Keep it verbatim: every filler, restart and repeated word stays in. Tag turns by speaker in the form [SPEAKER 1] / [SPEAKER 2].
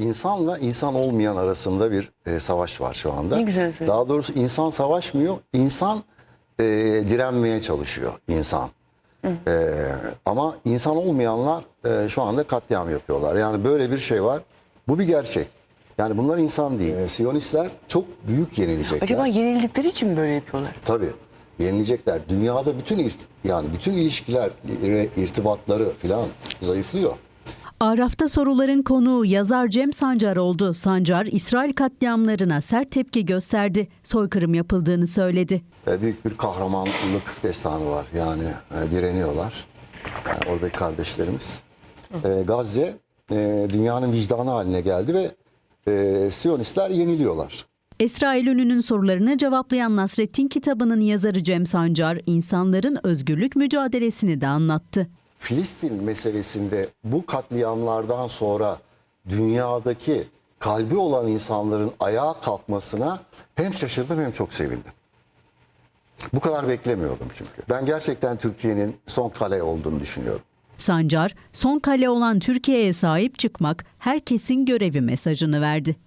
[SPEAKER 1] insanla insan olmayan arasında bir e, savaş var şu anda.
[SPEAKER 2] Ne güzel söyledin.
[SPEAKER 1] Daha doğrusu insan savaşmıyor, insan e, direnmeye çalışıyor insan. E, ama insan olmayanlar e, şu anda katliam yapıyorlar. Yani böyle bir şey var. Bu bir gerçek. Yani bunlar insan değil. E, Siyonistler çok büyük yenilecekler.
[SPEAKER 2] Acaba yenildikleri için mi böyle yapıyorlar?
[SPEAKER 1] Tabii. Yenilecekler. Dünyada bütün irt yani bütün ilişkiler, irtibatları filan zayıflıyor.
[SPEAKER 3] Araf'ta soruların konuğu yazar Cem Sancar oldu. Sancar, İsrail katliamlarına sert tepki gösterdi. Soykırım yapıldığını söyledi.
[SPEAKER 1] E, büyük bir kahramanlık destanı var. Yani e, direniyorlar. E, oradaki kardeşlerimiz. E, Gazze e, dünyanın vicdanı haline geldi ve e, Siyonistler yeniliyorlar.
[SPEAKER 3] Esra Eylül'ün sorularını cevaplayan Nasrettin kitabının yazarı Cem Sancar, insanların özgürlük mücadelesini de anlattı.
[SPEAKER 1] Filistin meselesinde bu katliamlardan sonra dünyadaki kalbi olan insanların ayağa kalkmasına hem şaşırdım hem çok sevindim. Bu kadar beklemiyordum çünkü. Ben gerçekten Türkiye'nin son kale olduğunu düşünüyorum.
[SPEAKER 3] Sancar, son kale olan Türkiye'ye sahip çıkmak herkesin görevi mesajını verdi.